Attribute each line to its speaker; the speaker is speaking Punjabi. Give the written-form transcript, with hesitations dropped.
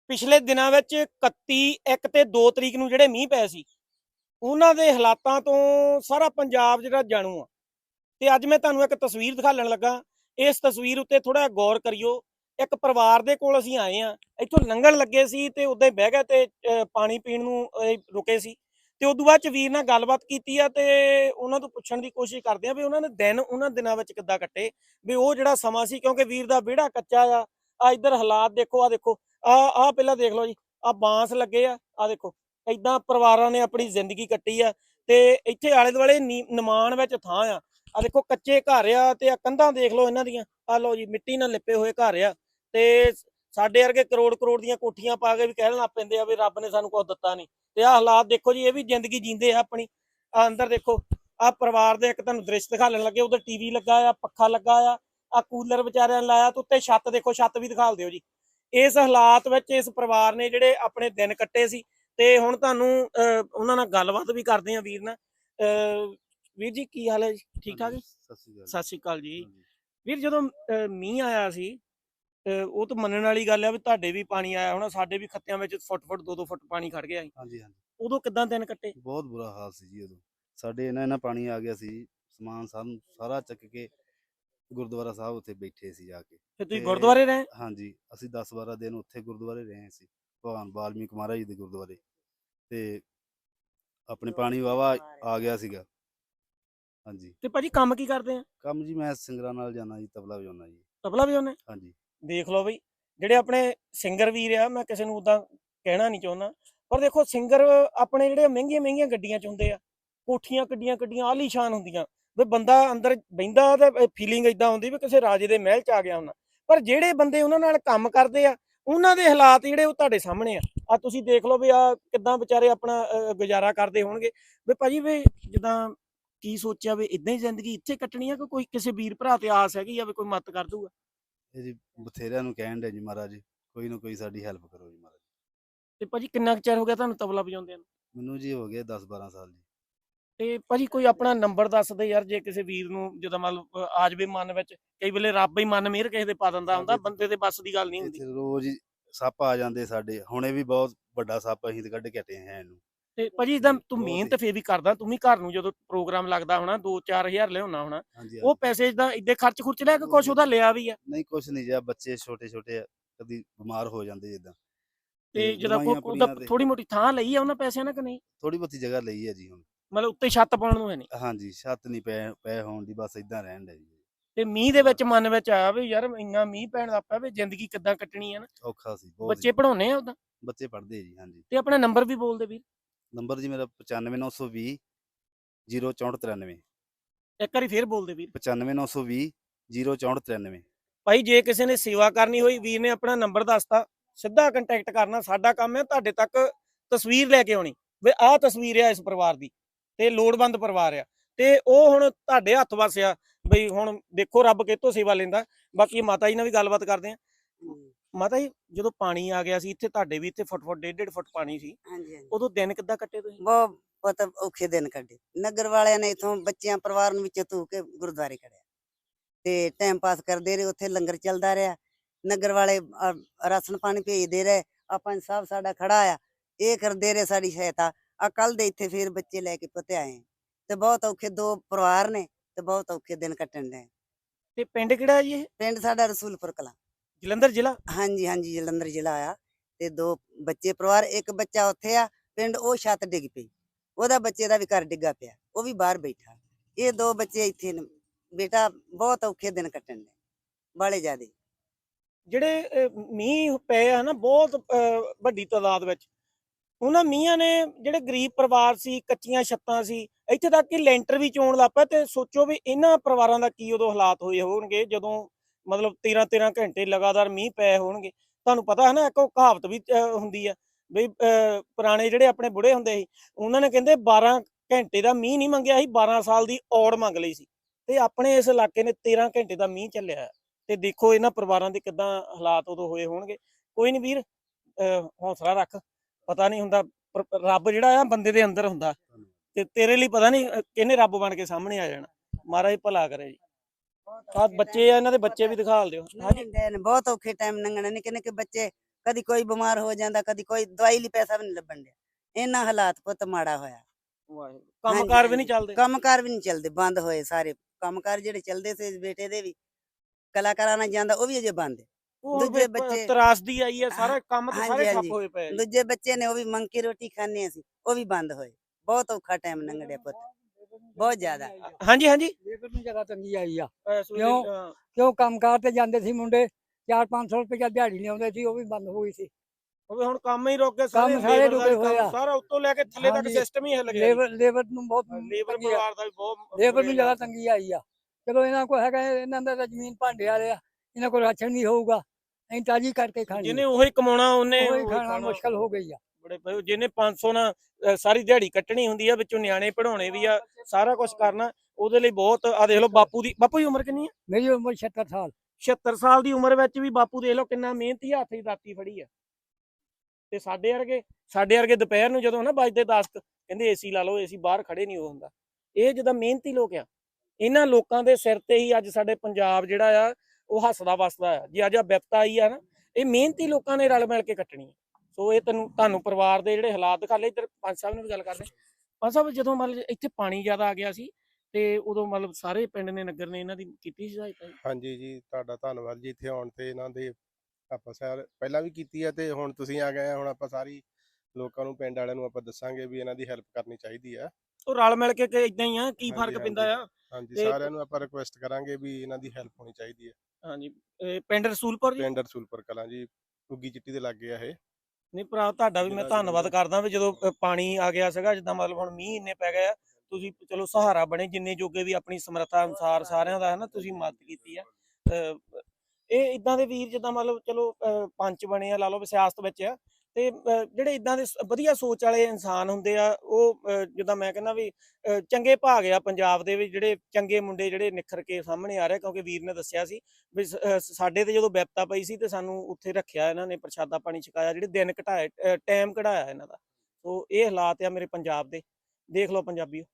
Speaker 1: ਪਿਛਲੇ ਦਿਨਾਂ ਵਿੱਚ 31 1 ਤੇ 2 ਤਰੀਕ ਨੂੰ ਜਿਹੜੇ ਮੀਂਹ ਪਏ ਸੀ ਉਹਨਾਂ ਦੇ ਹਾਲਾਤਾਂ ਤੋਂ ਸਾਰਾ ਪੰਜਾਬ ਜਿਹੜਾ ਜਾਣੂ ਆ। ਤੇ ਅੱਜ ਮੈਂ ਤੁਹਾਨੂੰ ਇੱਕ ਤਸਵੀਰ ਦਿਖਾਉਣ ਲੱਗਾ। ਇਸ ਤਸਵੀਰ ਉੱਤੇ ਥੋੜਾ ਗੌਰ ਕਰਿਓ। ਇੱਕ ਪਰਿਵਾਰ ਦੇ ਕੋਲ ਅਸੀਂ ਆਏ ਆ, ਇੱਥੋਂ ਲੰਘਣ ਲੱਗੇ ਸੀ ਤੇ ਉਦਾਂ ਹੀ ਬਹਿ ਗਏ ਤੇ ਪਾਣੀ ਪੀਣ ਨੂੰ ਰੁਕੇ ਸੀ। ਤੇ ਉਦੋਂ ਬਾਅਦ ਚ ਵੀਰ ਨਾਲ ਗੱਲਬਾਤ ਕੀਤੀ ਆ ਤੇ ਉਹਨਾਂ ਤੋਂ ਪੁੱਛਣ ਦੀ ਕੋਸ਼ਿਸ਼ ਕਰਦੇ ਆ ਵੀ ਉਹਨਾਂ ਨੇ ਦਿਨ ਉਹਨਾਂ ਦਿਨਾਂ ਵਿੱਚ ਕਿੱਦਾਂ ਕੱਟੇ, ਵੀ ਉਹ ਜਿਹੜਾ ਸਮਾਂ ਸੀ। ਕਿਉਂਕਿ ਵੀਰ ਦਾ ਵਿਹੜਾ ਕੱਚਾ ਆ ਇੱਧਰ ਹਾਲਾਤ ਦੇਖੋ, ਆ ਦੇਖੋ, ਆ ਪਹਿਲਾਂ ਦੇਖ ਲਓ ਜੀ, ਆ ਬਾਂਸ ਲੱਗੇ ਆ ਦੇਖੋ। ਏਦਾਂ ਪਰਿਵਾਰਾਂ ਨੇ ਆਪਣੀ ਜ਼ਿੰਦਗੀ ਕੱਟੀ ਆ। ਤੇ ਇੱਥੇ ਆਲੇ ਦੁਆਲੇ ਨਿਮਾਣ ਵਿੱਚ ਥਾਂ ਆ ਦੇਖੋ, ਕੱਚੇ ਘਰ ਆ ਤੇ ਆ ਕੰਧਾਂ ਦੇਖ ਲਓ ਇਹਨਾਂ ਦੀਆਂ, ਆ ਲਓ ਜੀ, ਮਿੱਟੀ ਨਾਲ ਲਿਪੇ ਹੋਏ ਘਰ ਆ। ਤੇ ਸਾਡੇ ਵਰਗੇ ਕਰੋੜ ਕਰੋੜ ਦੀਆਂ ਕੋਠੀਆਂ ਪਾ ਕੇ ਵੀ ਕਹਿਣ ਲੱਗ ਪੈਂਦੇ ਆ ਵੀ ਰੱਬ ਨੇ ਸਾਨੂੰ ਕੁਝ ਦਿੱਤਾ ਨਹੀਂ। ਤੇ ਆਹ ਹਾਲਾਤ ਦੇਖੋ ਜੀ, ਇਹ ਵੀ ਜ਼ਿੰਦਗੀ ਜੀਂਦੇ ਆ ਆਪਣੀ। ਆ ਅੰਦਰ ਦੇਖੋ, ਆ ਪਰਿਵਾਰ ਦੇ ਇੱਕ ਤੁਹਾਨੂੰ ਦ੍ਰਿਸ਼ ਦਿਖਾਉਣ ਲੱਗੇ। ਉਧਰ ਟੀਵੀ ਲੱਗਾ ਆ, ਪੱਖਾ ਲੱਗਾ ਆ ਕੂਲਰ ਵਿਚਾਰਿਆਂ ਨੇ ਲਾਇਆ ਤੇ ਉੱਤੇ ਛੱਤ ਦੇਖੋ, ਛੱਤ ਵੀ ਦਿਖਾ ਦਿਓ ਜੀ। ਇਸ ਹਾਲਾਤ ਵਿੱਚ ਇਸ ਪਰਿਵਾਰ ਨੇ ਜਿਹੜੇ ਆਪਣੇ ਦਿਨ ਕੱਟੇ ਸੀ। ਤੇ ਹੁਣ ਤੁਹਾਨੂੰ ਉਹਨਾਂ ਨਾਲ ਗੱਲਬਾਤ ਵੀ ਕਰਦੇ ਆ ਵੀਰ ਨਾਲ। ਵੀਰ ਜੀ ਕੀ ਹਾਲ ਹੈ ਜੀ? ਠੀਕ ਠਾਕ ਜੀ? ਸਤਿ ਸ਼੍ਰੀ ਅਕਾਲ ਜੀ। ਵੀਰ ਜਦੋਂ ਮੀਂਹ ਆਇਆ ਸੀ ਉਹ ਤਾਂ ਮੰਨਣ ਵਾਲੀ ਗੱਲ ਆ ਵੀ ਤੁਹਾਡੇ ਵੀ ਪਾਣੀ ਆਇਆ ਹੋਣਾ, ਸਾਡੇ ਵੀ ਖੱਤਿਆਂ ਵਿੱਚ ਫੁੱਟ 2-2 ਫੁੱਟ ਪਾਣੀ ਖੜ ਗਿਆ ਸੀ।
Speaker 2: ਹਾਂਜੀ ਹਾਂਜੀ,
Speaker 1: ਉਦੋਂ ਕਿੱਦਾਂ ਦਿਨ ਕੱਟੇ?
Speaker 2: ਬਹੁਤ ਬੁਰਾ ਹਾਲ ਸੀ ਜੀ। ਉਦੋਂ ਸਾਡੇ ਇਹਨਾਂ ਪਾਣੀ ਆ ਗਿਆ ਸੀ, ਸਮਾਨ ਸਾਨੂੰ ਸਾਰਾ ਚੱਕ ਕੇ ਗੁਰਦੁਆਰਾ ਸਾਹਿਬ ਉੱਥੇ ਬੈਠੇ ਸੀ ਜਾ ਕੇ।
Speaker 1: ਫਿਰ ਤੁਸੀਂ ਗੁਰਦੁਆਰੇ ਰਹੇ?
Speaker 2: ਹਾਂਜੀ, ਅਸੀਂ 10-12 ਦਿਨ ਉੱਥੇ ਗੁਰਦੁਆਰੇ ਰਹੇ ਸੀ, ਭਗਵਾਨ ਵਾਲਮੀਕ ਮਹਾਰਾਜ ਜੀ ਦੇ ਗੁਰਦੁਆਰੇ। ਤੇ ਆਪਣੇ ਪਾਣੀ ਵਾਵਾ ਆ ਗਿਆ ਸੀਗਾ। ਹਾਂਜੀ।
Speaker 1: ਤੇ ਭਾਜੀ ਕੰਮ ਕੀ ਕਰਦੇ ਆ?
Speaker 2: ਕੰਮ ਜੀ ਮੈਂ ਸਿੰਗਰਾਂ ਨਾਲ ਜਾਣਾ ਜੀ, ਤਬਲਾ ਵਜਾਉਣਾ ਜੀ।
Speaker 1: ਤਬਲਾ ਵਜਾਉਂਦੇ?
Speaker 2: ਹਾਂਜੀ।
Speaker 1: ਦੇਖ ਲਓ ਬਈ, ਜਿਹੜੇ ਆਪਣੇ ਸਿੰਗਰ ਵੀਰ ਆ, ਮੈਂ ਕਿਸੇ ਨੂੰ ਉਦਾਂ ਕਹਿਣਾ ਨਹੀਂ ਚਾਹੁੰਦਾ, ਪਰ ਦੇਖੋ ਸਿੰਗਰ ਆਪਣੇ ਜਿਹੜੇ ਮਹਿੰਗੀਆਂ ਮਹਿੰਗੀਆਂ ਗੱਡੀਆਂ ਚ ਹੁੰਦੇ ਆ, ਕੋਠੀਆਂ ਕੱਡੀਆਂ ਆਲੀਸ਼ਾਨ ਹੁੰਦੀਆਂ, ਵੀ ਬੰਦਾ ਅੰਦਰ ਬਹਿੰਦਾ ਤੇ ਫੀਲਿੰਗ ਇਦਾਂ ਹੁੰਦੀ ਵੀ ਕਿਸੇ ਰਾਜੇ ਦੇ ਮਹਿਲ ਚ ਆ ਗਿਆ ਹੁੰਦਾ। ਪਰ ਜਿਹੜੇ ਬੰਦੇ ਉਹਨਾਂ ਨਾਲ ਕੰਮ ਕਰਦੇ ਆ, ਉਹਨਾਂ ਦੇ ਹਾਲਾਤ ਜਿਹੜੇ ਉਹ ਤੁਹਾਡੇ ਸਾਹਮਣੇ ਆ ਤੁਸੀਂ ਦੇਖ ਲਓ ਵੀ ਆ ਕਿੱਦਾਂ ਵਿਚਾਰੇ ਆਪਣਾ ਗੁਜ਼ਾਰਾ ਕਰਦੇ ਹੋਣਗੇ। ਵੀ ਭਾਜੀ ਵੀ ਜਿੱਦਾਂ ਕੀ ਸੋਚਿਆ ਵੀ ਇਦਾਂ ਹੀ ਜ਼ਿੰਦਗੀ ਇੱਥੇ ਕੱਟਣੀ ਆ ਕਿ ਕੋਈ ਕਿਸੇ ਵੀਰ ਭਰਾ ਤੇ ਆਸ ਹੈਗੀ ਆ ਵੀ ਕੋਈ ਮਦਦ ਕਰ ਦੂਗਾ?
Speaker 2: ਇਹ ਜੀ ਬਥੇਰਿਆਂ ਨੂੰ ਕਹਿਣ ਦੇ ਜੀ, ਮਹਾਰਾਜ ਕੋਈ ਨਾ ਕੋਈ ਸਾਡੀ ਹੈਲਪ ਕਰੋ ਜੀ ਮਹਾਰਾਜ।
Speaker 1: ਤੇ ਭਾਜੀ ਕਿੰਨਾ ਕੁ ਚਿਰ ਹੋ ਗਿਆ ਤੁਹਾਨੂੰ ਤਬਲਾ ਵਜਾਉਂਦਿਆਂ ਨੂੰ?
Speaker 2: ਮੈਨੂੰ ਜੀ ਹੋ ਗਿਆ 10-12 ਸਾਲ ਜੀ।
Speaker 1: ਤੇ ਭਾਜੀ ਕੋਈ ਆਪਣਾ ਨੰਬਰ ਦੱਸ ਦੇ ਯਾਰ, ਜੇ ਕਿਸੇ ਵੀਰ ਨੂੰ ਜਦੋਂ ਮਤਲਬ ਆ ਜਾਵੇ ਮਨ ਵਿੱਚ। ਕਈ ਵੇਲੇ ਰੱਬ ਹੀ ਮਨ ਮਿਹਰ ਕਿਸੇ ਦੇ ਪਾ ਦਿੰਦਾ ਹੁੰਦਾ, ਬੰਦੇ ਦੇ ਬੱਸ ਦੀ ਗੱਲ ਨਹੀਂ ਹੁੰਦੀ।
Speaker 2: ਇੱਥੇ ਰੋਜ਼ ਹੀ ਸੱਪ ਆ ਜਾਂਦੇ ਸਾਡੇ, ਹੁਣੇ ਵੀ ਬਹੁਤ ਵੱਡਾ ਸੱਪ ਅਸੀਂ ਤੇ ਕੱਢ ਕੇ ਹਟੇ ਆ ਇਹਨੂੰ।
Speaker 1: ਤੇ ਭਾਜੀ ਇਦਾਂ ਤੂੰ ਮਿਹਨਤ ਫੇਰ ਵੀ ਕਰਦਾ, ਤੂੰ ਵੀ ਘਰ ਨੂੰ ਜਦੋਂ ਪ੍ਰੋਗਰਾਮ ਲੱਗਦਾ ਹੋਣਾ 2-4 ਹਜ਼ਾਰ ਲਿਆਉਣਾ ਹੋਣਾ, ਉਹ ਪੈਸੇ ਜਿੱਦਾਂ ਇੱਦੇ ਖਰਚ ਖੁਰਚ ਲਿਆ ਕਿ ਕੁਛ ਉਹਦਾ ਲਿਆ ਵੀ ਆ?
Speaker 2: ਨਹੀਂ ਕੁਛ ਨਹੀਂ ਜੀ, ਬੱਚੇ ਛੋਟੇ ਛੋਟੇ ਕਦੀ ਬਿਮਾਰ ਹੋ ਜਾਂਦੇ ਜਿੱਦਾਂ।
Speaker 1: ਤੇ ਜਦੋਂ ਥੋੜੀ ਮੋਟੀ ਥਾਂ ਲਈ ਆ ਉਹਨਾਂ ਪੈਸਿਆਂ ਨਾਲ ਕਿ ਨਹੀਂ?
Speaker 2: ਥੋੜੀ ਬਹੁਤੀ ਜਗ੍ਹਾ ਲਈ ਹੈ ਜੀ ਹੁਣ।
Speaker 1: ਮਤਲਬ ਉੱਤੇ ਛੱਤ ਪਾਉਣ ਨੂੰ ਹੈ ਨਹੀਂ?
Speaker 2: ਹਾਂਜੀ, ਛੱਤ ਨਹੀਂ ਪੈ ਹੋਣ ਦੀ, ਬਸ ਇਦਾਂ ਰਹਿਣ ਦਾ ਜੀ।
Speaker 1: ਤੇ ਮੀਂਹ ਦੇ ਵਿੱਚ ਮਨ ਵਿੱਚ ਆਇਆ ਵੀ ਯਾਰ ਇੰਨਾ ਮੀਂਹ ਪੈਣ ਲੱਗ ਪਿਆ ਵੀ ਜ਼ਿੰਦਗੀ ਕਿੱਦਾਂ ਕੱਟਣੀ ਹੈ ਨਾ।
Speaker 2: ਔਖਾ ਸੀ ਬਹੁਤ।
Speaker 1: ਬੱਚੇ ਪੜਾਉਣੇ ਆ ਉਦਾਂ?
Speaker 2: ਬੱਚੇ ਪੜ੍ਹਦੇ ਜੀ। ਹਾਂਜੀ।
Speaker 1: ਤੇ ਆਪਣਾ ਨੰਬਰ ਵੀ ਬੋਲ ਦੇ ਵੀਰ।
Speaker 2: ਨੰਬਰ ਜੀ ਮੇਰਾ 95-920 06493।
Speaker 1: ਇੱਕ ਵਾਰੀ ਫੇਰ ਬੋਲ ਦੇ ਵੀਰ।
Speaker 2: 95-920 06493।
Speaker 1: ਭਾਈ ਜੇ ਕਿਸੇ ਨੇ ਸੇਵਾ ਕਰਨੀ ਹੋਈ, ਵੀਰ ਨੇ ਆਪਣਾ ਨੰਬਰ ਦੱਸਤਾ, ਸਿੱਧਾ ਕੰਟੈਕਟ ਕਰਨਾ। ਸਾਡਾ ਕੰਮ ਹੈ ਤੁਹਾਡੇ ਤੱਕ ਤਸਵੀਰ ਲੈ ਕੇ ਆਉਣੀ ਵੀ ਆਹ ਤਸਵੀਰ ਆ ਇਸ ਪਰਿਵਾਰ ਦੀ ਤੇ ਲੋੜਵੰਦ ਪਰਿਵਾਰ ਆ। ਤੇ ਉਹ ਹੁਣ ਤੁਹਾਡੇ ਹੱਥ ਵਸ ਆ ਬਈ ਹੁਣ ਦੇਖੋ ਰੱਬ ਕਿਹਤੋਂ ਸੇਵਾ ਲੈਂਦਾ। ਬਾਕੀ ਮਾਤਾ ਜੀ ਨਾਲ ਵੀ ਗੱਲਬਾਤ ਕਰਦੇ ਆ। ਮਾਤਾ ਜੀ ਜਦੋਂ ਪਾਣੀ ਆ ਗਿਆ ਸੀ ਇੱਥੇ, ਤੁਹਾਡੇ ਵੀ ਇੱਥੇ ਫੁੱਟ 1.5 ਫੁੱਟ ਪਾਣੀ ਸੀ, ਉਦੋਂ ਦਿਨ ਕਿੱਦਾਂ ਕੱਟੇ ਤੁਸੀਂ?
Speaker 3: ਬਹੁਤ ਔਖੇ ਦਿਨ ਕੱਢੇ। ਨਗਰ ਵਾਲਿਆਂ ਨੇ ਇਥੋਂ ਬੱਚਿਆਂ ਪਰਿਵਾਰ ਨੂੰ ਵਿੱਚੋਂ ਧੂ ਕੇ ਗੁਰਦੁਆਰੇ ਖੜਿਆ ਤੇ ਟਾਈਮ ਪਾਸ ਕਰਦੇ ਰਹੇ। ਉੱਥੇ ਲੰਗਰ ਚੱਲਦਾ ਰਿਹਾ, ਨਗਰ ਵਾਲੇ ਰਾਸ਼ਨ ਪਾਣੀ ਭੇਜਦੇ ਰਹੇ। ਪੰਜ ਸਾਹਿਬ ਸਾਡਾ ਖੜਾ ਆ, ਇਹ ਕਰਦੇ ਰਹੇ ਸਾਡੀ ਸਹਾਇਤਾ। ਕੱਲ ਦੇ ਇੱਥੇ ਫੇਰ ਬੱਚੇ ਲੈ ਕੇ ਪੁੱਤ ਆਏ ਤੇ ਬਹੁਤ ਔਖੇ 2 ਪਰਿਵਾਰ ਨੇ ਤੇ ਬਹੁਤ ਔਖੇ ਦਿਨ ਕੱਟਣ ਦੇ।
Speaker 1: ਤੇ ਪਿੰਡ ਕਿਹੜਾ ਜੀ ਇਹ?
Speaker 3: ਪਿੰਡ ਸਾਡਾ ਰਸੂਲਪੁਰ ਕਲਾਂ,
Speaker 1: ਜਲੰਧਰ ਜ਼ਿਲ੍ਹਾ?
Speaker 3: ਹਾਂਜੀ ਹਾਂਜੀ, ਜਲੰਧਰ ਜ਼ਿਲ੍ਹਾ ਆ। ਤੇ 2 ਬੱਚੇ ਪਰਿਵਾਰ, ਇੱਕ ਬੱਚਾ ਉੱਥੇ ਆ ਪਿੰਡ, ਉਹ ਛੱਤ ਡਿੱਗ ਪਈ, ਉਹਦਾ ਬੱਚੇ ਦਾ ਵੀ ਘਰ ਡਿੱਗਾ ਪਿਆ, ਉਹ ਵੀ ਬਾਹਰ ਬੈਠਾ। ਇਹ 2 ਬੱਚੇ ਇੱਥੇ ਨੇ ਬੇਟਾ। ਬਹੁਤ ਔਖੇ ਦਿਨ ਕੱਟਣ ਦੇ ਬਾਲੇ ਜ਼ਿਆਦੇ।
Speaker 1: ਜਿਹੜੇ ਮੀਂਹ ਪਏ ਆ ਨਾ ਬਹੁਤ ਵੱਡੀ ਤਾਦਾਦ ਵਿੱਚ, ਉਹਨਾਂ ਮੀਂਹਾਂ ਨੇ ਜਿਹੜੇ ਗਰੀਬ ਪਰਿਵਾਰ ਸੀ, ਕੱਚੀਆਂ ਛੱਤਾਂ ਸੀ, ਇੱਥੇ ਤੱਕ ਕਿ ਲੈਂਟਰ ਵੀ ਚੋਣ ਲੱਗ ਪਿਆ। ਤੇ ਸੋਚੋ ਵੀ ਇਹਨਾਂ ਪਰਿਵਾਰਾਂ ਦਾ ਕੀ ਉਦੋਂ ਹਾਲਾਤ ਹੋਏ ਹੋਣਗੇ ਜਦੋਂ ਮਤਲਬ 13-13 ਘੰਟੇ ਲਗਾਤਾਰ ਮੀਂਹ ਪਏ ਹੋਣਗੇ। ਤੁਹਾਨੂੰ ਪਤਾ ਹੈ ਨਾ, ਇੱਕ ਉਹ ਕਹਾਵਤ ਵੀ ਹੁੰਦੀ ਆ ਬਈ ਪੁਰਾਣੇ ਜਿਹੜੇ ਆਪਣੇ ਬੁੜੇ ਹੁੰਦੇ ਸੀ, ਉਹਨਾਂ ਨੇ ਕਹਿੰਦੇ 12 ਘੰਟੇ ਦਾ ਮੀਂਹ ਨਹੀਂ ਮੰਗਿਆ ਸੀ, 12 ਸਾਲ ਦੀ ਔੜ ਮੰਗ ਲਈ ਸੀ। ਤੇ ਆਪਣੇ ਇਸ ਇਲਾਕੇ ਨੇ 13 ਘੰਟੇ ਦਾ ਮੀਂਹ ਚੱਲਿਆ। ਤੇ ਦੇਖੋ ਇਹਨਾਂ ਪਰਿਵਾਰਾਂ ਦੇ ਕਿੱਦਾਂ ਹਾਲਾਤ ਉਦੋਂ ਹੋਏ ਹੋਣਗੇ। ਕੋਈ ਨਹੀਂ ਵੀਰ, ਹੌਸਲਾ ਰੱਖ, ਪਤਾ ਨਹੀਂ ਹੁੰਦਾ ਰੱਬ ਜਿਹੜਾ ਆ ਬੰਦੇ ਦੇ ਅੰਦਰ ਹੁੰਦਾ। ਤੇ ਤੇਰੇ ਲਈ ਪਤਾ ਨਹੀਂ ਕਿਹਨੇ ਰੱਬ ਬਣ ਕੇ ਸਾਹਮਣੇ ਆ ਜਾਣਾ। ਮਹਾਰਾਜ ਭਲਾ ਕਰੇ ਜੀ। ਬੱਚੇ ਆ ਇਹਨਾਂ ਦੇ, ਬੱਚੇ ਵੀ ਦਿਖਾ ਦਿਓ।
Speaker 3: ਬਹੁਤ ਔਖੇ ਟਾਈਮ ਲੰਘਣੇ, ਨਿੱਕੇ ਨਿੱਕੇ ਬੱਚੇ ਕਦੀ ਕੋਈ ਬਿਮਾਰ ਹੋ ਜਾਂਦਾ, ਕਦੀ ਕੋਈ ਦਵਾਈ ਲਈ ਪੈਸਾ ਵੀ ਨਹੀਂ ਲੱਭਣ ਡਿਆ। ਇੰਨਾ ਹਾਲਾਤ ਪੁੱਤ ਮਾੜਾ ਹੋਇਆ।
Speaker 1: ਵਾਹਿਗੁਰੂ।
Speaker 3: ਹਾਂਜੀ,
Speaker 1: ਕੰਮਕਾਰ ਵੀ
Speaker 3: ਹਾਂਜੀ।
Speaker 1: ਨਹੀਂ ਚੱਲਦੇ।
Speaker 3: ਕੰਮਕਾਰ ਵੀ ਨਹੀਂ ਚੱਲਦੇ, ਬੰਦ ਹੋਏ ਸਾਰੇ ਕੰਮਕਾਰ ਜਿਹੜੇ ਚੱਲਦੇ ਸੀ ਬੇਟੇ ਦੇ ਵੀ। ਕਲਾਕਾਰਾਂ ਨਾਲ ਜਾਂਦਾ ਉਹ ਵੀ ਅਜੇ ਬੰਦ ਹੈ।
Speaker 1: ਉਹ
Speaker 3: ਦੂਜੇ
Speaker 1: ਵੀ
Speaker 3: ਬੱਚੇ
Speaker 1: ਤਰਾਸਦੀ ਆਈ ਹੈ,
Speaker 3: ਹਾਂ,
Speaker 1: ਸਾਰੇ ਕੰਮ ਤੇ ਸਾਰੇ
Speaker 3: ਹਾਂਜੀ,
Speaker 1: ਠੱਪ
Speaker 3: ਹਾਂਜੀ।
Speaker 1: ਹੋਏ ਪਏ ਆ ਜੀ।
Speaker 3: ਦੂਜੇ ਬੱਚੇ ਨੇ ਉਹ ਵੀ ਮੰਗ ਕੇ ਰੋਟੀ ਖਾਣੇ ਅਸੀਂ, ਉਹ ਵੀ ਬੰਦ ਹੋਏ। ਬਹੁਤ ਔਖਾ ਟਾਈਮ ਲੰਘੜਿਆ ਪੁੱਤ, ਬਹੁਤ ਜ਼ਿਆਦਾ।
Speaker 1: ਹਾਂਜੀ ਹਾਂਜੀ
Speaker 4: ਲੇਬਰ ਨੂੰ ਜ਼ਿਆਦਾ ਤੰਗੀ ਆਈ ਆ।
Speaker 1: ਇਸ ਵੇਲੇ,
Speaker 4: ਕਿਉਂ? ਕਿਉਂ ਕੰਮਕਾਰ ਤੇ ਜਾਂਦੇ ਸੀ ਮੁੰਡੇ, 400-500 ਰੁਪਏ ਦਿਹਾੜੀ ਲਿਆਉਂਦੇ ਸੀ, ਉਹ ਵੀ ਬੰਦ ਹੋ ਗਈ ਸੀ।
Speaker 1: ਉਹ ਵੀ ਹੁਣ ਕੰਮ ਹੀ ਰੁਕ ਗਏ, ਸਾਰੇ
Speaker 4: ਕੰਮ ਸਾਰੇ
Speaker 1: labor ਦਾ
Speaker 4: ਰੁਕੇ
Speaker 1: ਵੀ
Speaker 4: ਹੋਏ
Speaker 1: ਕੰਮ
Speaker 4: ਆ।
Speaker 1: ਸਾਰਾ ਉੱਤੋਂ ਲੈ ਕੇ ਥੱਲੇ ਤੱਕ
Speaker 4: ਹਾਂਜੀ।
Speaker 1: ਸਿਸਟਮ ਹੀ ਹਿੱਲ ਗਿਆ ਜੀ।
Speaker 4: ਲੇਬਰ ਨੂੰ ਬਹੁਤ
Speaker 1: ਲੇਬਰ
Speaker 4: ਤੰਗੀ ਆ।
Speaker 1: ਪਰਿਵਾਰ ਦਾ ਵੀ ਬਹੁਤ
Speaker 4: ਲੇਬਰ ਨੂੰ
Speaker 1: ਬੁਰੇ
Speaker 4: ਜ਼ਿਆਦਾ
Speaker 1: ਹਾਲਾਤ।
Speaker 4: ਤੰਗੀ ਆਈ ਆ। ਚਲੋ ਇਹਨਾਂ ਕੋਲ ਹੈਗਾ, ਇਹਨਾਂ ਦਾ ਤਾਂ ਜ਼ਮੀਨ ਭਾਂਡੇ ਵਾਲੇ ਆ, ਇਹਨਾਂ ਕੋਲ ਰਾਸ਼ਨ ਵੀ ਹੋਊਗਾ, ਅਸੀਂ ਤਾਜ਼ੀ ਕਰਕੇ ਖਾਣੀ
Speaker 1: ਜਿਹਨੇ ਉਹੀ ਕਮਾਉਣਾ ਉਹਨੇ
Speaker 4: ਉਹੀ
Speaker 1: ਉਹੀ
Speaker 4: ਖਾਣਾ ਮੁਸ਼ਕਲ ਹੋ ਗਈ ਆ।
Speaker 1: ਬੜੇ ਪਏ। ਜਿਹਨੇ 500 ਨਾਲ ਸਾਰੀ ਦਿਹਾੜੀ ਕੱਟਣੀ ਹੁੰਦੀ ਆ, ਵਿੱਚੋਂ ਨਿਆਣੇ ਪੜਾਉਣੇ ਵੀ ਆ, ਸਾਰਾ ਕੁਝ ਕਰਨਾ, ਉਹਦੇ ਲਈ ਬਹੁਤ। ਆ ਦੇਖ ਲਓ ਬਾਪੂ ਦੀ ਉਮਰ ਕਿੰਨੀ ਆ?
Speaker 4: ਮੇਰੀ ਉਮਰ 76 ਸਾਲ।
Speaker 1: 76 ਸਾਲ ਦੀ ਉਮਰ ਵਿੱਚ ਵੀ ਬਾਪੂ ਦੇਖ ਲਓ ਕਿੰਨਾ ਮਿਹਨਤੀ, ਹੱਥ ਦੀ ਦਾਤੀ ਫੜੀ ਆ। ਤੇ ਸਾਡੇ ਵਰਗੇ ਦੁਪਹਿਰ ਨੂੰ ਜਦੋਂ ਨਾ ਵੱਜਦੇ 10 ਕਹਿੰਦੇ ਏਸੀ ਲਾ ਲਓ, ਏਸੀ ਬਾਹਰ ਖੜੇ ਨਹੀਂ ਹੋ ਹੁੰਦਾ। ਇਹ ਜਿੱਦਾਂ ਮਿਹਨਤੀ ਲੋਕ ਆ, ਇਹਨਾਂ ਲੋਕਾਂ ਦੇ ਸਿਰ ਤੇ ਹੀ ਅੱਜ ਸਾਡੇ ਪੰਜਾਬ ਜਿਹੜਾ ਆ ਉਹ ਹੱਸਦਾ ਵਸਦਾ ਆ। ਜੇ ਅੱਜ ਆ ਵਿਪਤਾ ਆਈ ਆ ਨਾ, ਇਹ ਮਿਹਨਤੀ ਲੋਕਾਂ ਨੇ ਰਲ ਮਿਲ ਕੇ ਕੱਟਣੀ ਆ। ਸੋ ਇਹ ਤੁਹਾਨੂੰ ਪਰਿਵਾਰ ਦੇ ਜਿਹੜੇ ਹਾਲਾਤ ਦਿਖਾ ਲਏ। ਇੱਧਰ ਪੰਜ ਸਾਹਿਬ ਨੂੰ ਵੀ ਗੱਲ ਕਰਦੇ। ਪੰਜ ਸਾਹਿਬ, ਜਦੋਂ ਮਤਲਬ ਇੱਥੇ ਪਾਣੀ ਜ਼ਿਆਦਾ ਆ ਗਿਆ ਸੀ ਤੇ ਉਦੋਂ ਮਤਲਬ ਸਾਰੇ ਪਿੰਡ ਨੇ, ਨਗਰ ਨੇ ਇਹਨਾਂ ਦੀ ਕੀਤੀ ਸੀ ਸਹਾਇਤਾ ਜੀ?
Speaker 5: ਹਾਂਜੀ ਜੀ, ਤੁਹਾਡਾ ਧੰਨਵਾਦ ਜੀ। ਇੱਥੇ ਆਉਣ ਤੇ ਇਹਨਾਂ ਦੇ ਆਪਾਂ ਪਹਿਲਾਂ ਵੀ ਕੀਤੀ ਆ, ਤੇ ਹੁਣ ਤੁਸੀਂ ਆ ਗਏ ਆ। ਹੁਣ ਆਪਾਂ ਸਾਰੀ ਲੋਕਾਂ ਨੂੰ, ਪਿੰਡ ਵਾਲਿਆਂ ਨੂੰ ਆਪਾਂ ਦੱਸਾਂਗੇ ਵੀ ਇਹਨਾਂ ਦੀ ਹੈਲਪ ਕਰਨੀ ਚਾਹੀਦੀ ਆ।
Speaker 1: ਉਹ ਰਲ ਮਿਲ ਕੇ ਇਦਾਂ ਹੀ ਆ, ਕੀ
Speaker 5: ਹਾਂਜੀ,
Speaker 1: ਫਰਕ ਪੈਂਦਾ ਆ?
Speaker 5: ਹਾਂਜੀ,
Speaker 1: ਤੇ
Speaker 5: ਸਾਰਿਆਂ ਨੂੰ ਆਪਾਂ ਰਿਕੁਐਸਟ ਕਰਾਂਗੇ ਵੀ ਇਹਨਾਂ ਦੀ ਹੈਲਪ ਹੋਣੀ ਚਾਹੀਦੀ ਹੈ।
Speaker 1: ਹਾਂਜੀ। ਇਹ ਪਿੰਡ ਰਸੂਲਪੁਰ ਜੀ?
Speaker 5: ਪਿੰਡ ਰਸੂਲਪੁਰ ਕਲਾਂ ਜੀ, ਉੱਗੀ ਚਿੱਟੀ ਦੇ ਲਾਗੇ ਆ ਇਹ।
Speaker 1: ਨਹੀਂ ਭਰਾ, ਤੁਹਾਡਾ ਵੀ ਮੈਂ
Speaker 5: ਜਿਹੜਾ
Speaker 1: ਧੰਨਵਾਦ
Speaker 5: ਜਿਹੜਾ-
Speaker 1: ਕਰਦਾ ਵੀ ਜਦੋਂ ਪਾਣੀ ਆ ਗਿਆ ਸੀਗਾ, ਜਿੱਦਾਂ ਮਤਲਬ ਹੁਣ ਮੀਂਹ ਇੰਨੇ ਪੈ ਗਏ ਆ, ਤੁਸੀਂ ਚਲੋ ਸਹਾਰਾ ਬਣੇ ਜਿੰਨੇ ਜੋਗੇ ਵੀ, ਆਪਣੀ ਸਮਰੱਥਾ ਅਨੁਸਾਰ ਸਾਰਿਆਂ ਦਾ, ਹੈ ਨਾ, ਤੁਸੀਂ ਮਦਦ ਕੀਤੀ ਆ। ਇਹ ਇਦਾਂ ਦੇ ਵੀਰ ਜਿੱਦਾਂ ਮਤਲਬ ਚਲੋ ਪੰਚ ਬਣੇ ਆ, ਲਾ ਲਓ ਸਿਆਸਤ ਵਿੱਚ ਆ, ਤੇ ਜਿਹੜੇ ਇਦਾਂ ਦੇ ਵਧੀਆ ਸੋਚ ਵਾਲੇ ਇਨਸਾਨ ਹੁੰਦੇ ਆ, ਉਹ ਜਿੱਦਾਂ ਮੈਂ ਕਹਿੰਦਾ ਵੀ ਚੰਗੇ ਭਾਗ ਆ ਪੰਜਾਬ ਦੇ ਵਿੱਚ, ਜਿਹੜੇ ਚੰਗੇ ਮੁੰਡੇ ਜਿਹੜੇ ਨਿਖਰ ਕੇ ਸਾਹਮਣੇ ਆ ਰਹੇ। ਕਿਉਂਕਿ ਵੀਰ ਨੇ ਦੱਸਿਆ ਸੀ ਵੀ ਸਾਡੇ ਤੇ ਜਦੋਂ ਵਿਪਤਾ ਪਈ ਸੀ ਤੇ ਸਾਨੂੰ ਉੱਥੇ ਰੱਖਿਆ ਇਹਨਾਂ ਨੇ, ਪ੍ਰਸ਼ਾਦਾ ਪਾਣੀ ਛਕਾਇਆ, ਜਿਹੜੇ ਦਿਨ ਘਟਾਏ, ਟਾਈਮ ਕਢਾਇਆ ਇਹਨਾਂ ਦਾ। ਸੋ ਇਹ ਹਾਲਾਤ ਆ ਮੇਰੇ ਪੰਜਾਬ ਦੇ। ਦੇਖ ਲਓ ਪੰਜਾਬੀਓ।